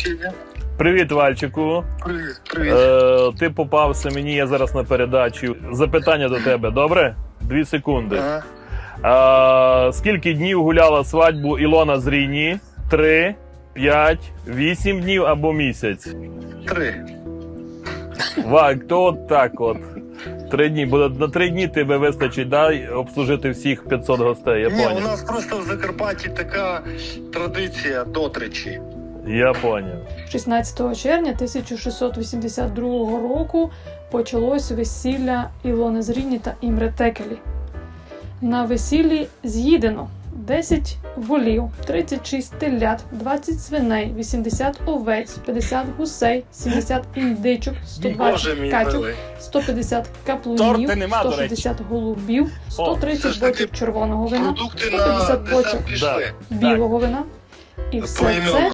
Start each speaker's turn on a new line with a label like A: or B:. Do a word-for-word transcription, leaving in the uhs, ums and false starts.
A: включення.
B: Привіт, Вальчику.
A: Привіт, привіт.
B: Е, ти попався мені, я зараз на передачі. Запитання до тебе, добре? Дві секунди.
A: Ага.
B: Е, скільки днів гуляла свадьбу Ілона з Ріні? Три, п'ять, вісім днів або місяць?
A: Три.
B: Валь, то от так от. Три дні. Бо на три дні тебе вистачить, да, обслужити всіх п'ятсот гостей, я
A: Ні, у
B: поняв.
A: нас просто в Закарпатті така традиція дотричі.
B: Я поняв.
C: шістнадцятого червня тисяча шістсот вісімдесят другого року почалось весілля Ілони з Ріні та Імре Текелі. На весіллі з'їдено десять волів, тридцять шість телят, двадцять свиней, вісімдесят овець, п'ятдесят гусей, сімдесят індичок, сто
A: Боже
C: двадцять
A: мій
C: качок,
A: милий.
C: сто п'ятдесят каплунів,
B: Торти нема, до
C: сто шістдесят голубів, сто
A: це
C: тридцять
A: ж таки
C: бочок червоного вина,
A: Продукти
C: сто
A: на
C: п'ятдесят бочок
A: десерт пішли.
B: Да.
C: білого вина. І все
A: Поіменно.
C: це